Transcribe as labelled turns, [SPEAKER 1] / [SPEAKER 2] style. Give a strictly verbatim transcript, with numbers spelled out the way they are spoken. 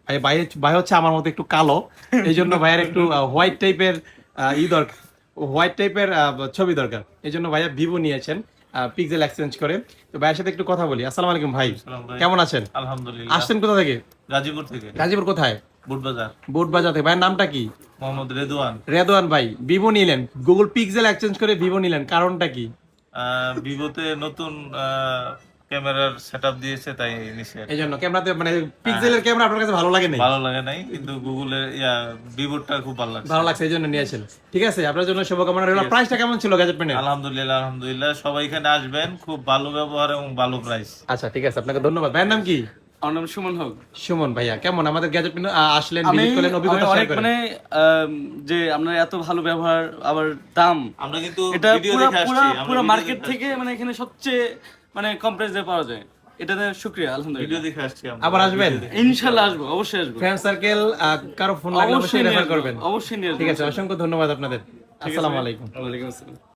[SPEAKER 1] ভাই ভাই ভাই হচ্ছে আমার মতো একটু কালো, এই জন্য ভাইয়ের একটু হোয়াইট টাইপের ই দরকার, হোয়াইট টাইপের ছবি দরকার, এই জন্য ভাইয়া ভিভো নিয়েছেন পিক্সেল এক্সচেঞ্জ করে। তো ভাইয়ের সাথে একটু কথা বলি। আসসালামু আলাইকুম ভাই,
[SPEAKER 2] আসসালাম ভাই।
[SPEAKER 1] কেমন আছেন?
[SPEAKER 2] আলহামদুলিল্লাহ।
[SPEAKER 1] আসছেন কোথা থেকে?
[SPEAKER 2] গাজীপুর থেকে।
[SPEAKER 1] গাজীপুর কোথায়?
[SPEAKER 2] বুটবাজার।
[SPEAKER 1] বুটবাজার থেকে। ভাইয়ের নামটা কি?
[SPEAKER 2] মোহাম্মদ রেদওয়ান।
[SPEAKER 1] রেদওয়ান ভাই, ভিভো নিলেন, গুগল পিক্সেল এক্সচেঞ্জ করে ভিভো নিলেন, কারণটা কি?
[SPEAKER 2] আহ, ভিভোতে নতুন আহ, ক্যামেরার সেটআপ দিয়েছে তাই নিছে।
[SPEAKER 1] এই জন্য ক্যামেরাতে মানে পিক্সেলের ক্যামেরা আপনার কাছে ভালো লাগে নাই?
[SPEAKER 2] ভালো লাগে নাই, কিন্তু গুগলের ইয়া ভিভোটা খুব ভালো লাগছে।
[SPEAKER 1] ভালো লাগছে এই জন্য নিয়েছেন। ঠিক আছে, আপনার জন্য শুভকামনা রইল। প্রাইসটা কেমন ছিল গ্যাজেট পেনের?
[SPEAKER 2] আলহামদুলিল্লাহ আলহামদুলিল্লাহ, সবাই এখানে আসবেন, খুব ভালো ব্যবহার এবং ভালো প্রাইস।
[SPEAKER 1] আচ্ছা ঠিক আছে, আপনাকে ধন্যবাদ। ভাইয়ের নাম কি?
[SPEAKER 3] আমার নাম সুমন হক।
[SPEAKER 1] সুমন ভাইয়া, কেমন আমাদের গ্যাজেট পেন আসলেন,
[SPEAKER 3] আমি
[SPEAKER 1] ভিজিট করলেন, অভিজ্ঞতা
[SPEAKER 3] আমি
[SPEAKER 1] শেয়ার
[SPEAKER 3] অনেক
[SPEAKER 1] করেন।
[SPEAKER 3] মানে আম, যে আপনার এত ভালো ব্যবহার আবার দাম,
[SPEAKER 2] আমরা কিন্তু
[SPEAKER 3] এটা
[SPEAKER 2] ভিডিও
[SPEAKER 3] পুরো
[SPEAKER 2] দেখে
[SPEAKER 3] পুরো
[SPEAKER 2] আসছি, আমরা
[SPEAKER 3] পুরো
[SPEAKER 2] ভিডিও
[SPEAKER 3] মার্কেট
[SPEAKER 2] দেখে
[SPEAKER 3] থেকে মানে এখানে সবচেয়ে মানে কম প্রাইসে পাওয়া যায়, এটাতে শুকরিয়া
[SPEAKER 2] ভিডিও
[SPEAKER 3] আলহামদুলিল্লাহ।
[SPEAKER 2] দেখে আসছি আমরা।
[SPEAKER 1] আবার আসবেন?
[SPEAKER 2] ভিডিও দেখে।
[SPEAKER 3] ইনশাআল্লাহ আসবো, অবশ্যই আসবো,
[SPEAKER 1] ফ্রেন্ড সার্কেল কারো ফোন লাগলে অবশ্যই
[SPEAKER 3] নিয়ে
[SPEAKER 1] রেফার
[SPEAKER 3] আসবো,
[SPEAKER 1] করবেন।
[SPEAKER 3] অবশ্যই নিয়ে আসবো।
[SPEAKER 1] ঠিক আছে, অসংখ্য ধন্যবাদ আপনাদের।
[SPEAKER 3] ঠিক আছে
[SPEAKER 1] আসসালামু
[SPEAKER 3] ভাই।
[SPEAKER 1] আলাইকুম।
[SPEAKER 3] ওয়ালাইকুম আসসালাম।